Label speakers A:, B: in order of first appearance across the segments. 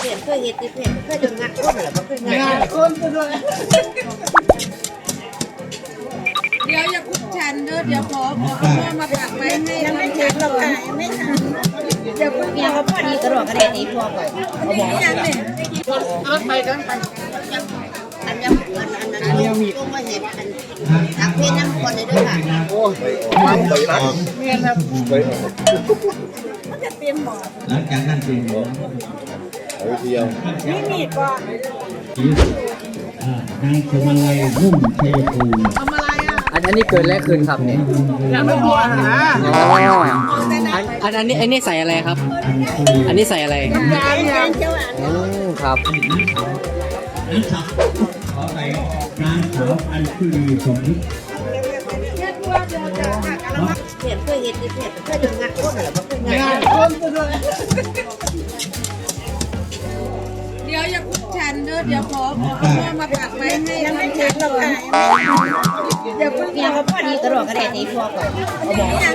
A: เพจเคยเห็นที่เพจเคยโดนงานคนเหรอบ่เคยงานคนด้วยเดี๋ยวอย่าพูดฉันเด้อเดี๋ยวขอเอามาฝากไว้ให้ยังไม่ถึงเราขายไม่ทันเดี๋ยวพูดเนี่ยเขาพอดีกระโดดกระเด็นนี้พอก่อนเขาบอกว่าเอาไปกันไปอันยังมีต้องมาเห็นอันทักเพจน้ำคนเลยด้วยค่ะโอ้ยไปออกเมียนครับไปออกมันจะเตรียมหมอ
B: หลังจากนั้นเป็นหมอ
A: เอาเดียวนี่มีดก่อน
B: นางสมัยนุ่มชัยภูมิ
A: ทำอะไรอ่ะ
C: อันนี้เกินแรกคืนครับเนี่ย
A: ยังไม่พอนะ
C: อันนี้ใส่อะไรครับ อันนี้ใส่อะไรครับ
B: ขอไปนางสาวอัญชุลีสมฤทธิ์
A: เพจเคยเห็นที่เพจเคยโดนงานคนเหรอบ่เคยงานคนด้วยเดี๋ยวอย่าพูดฉันเด้อเดี๋ยวขอเอามาฝากไว้ให้ยังไม่ถึงเราขายเดี๋ยวพูดเนี่ยเขาพอดีกระโดดกระเด็นนี้พอก่อนเขาบอกว่า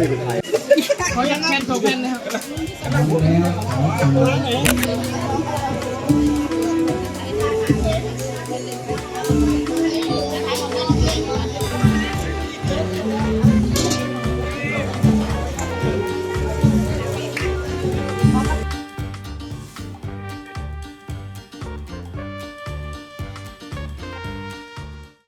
B: เขายังแคนโซเฟนนะครับ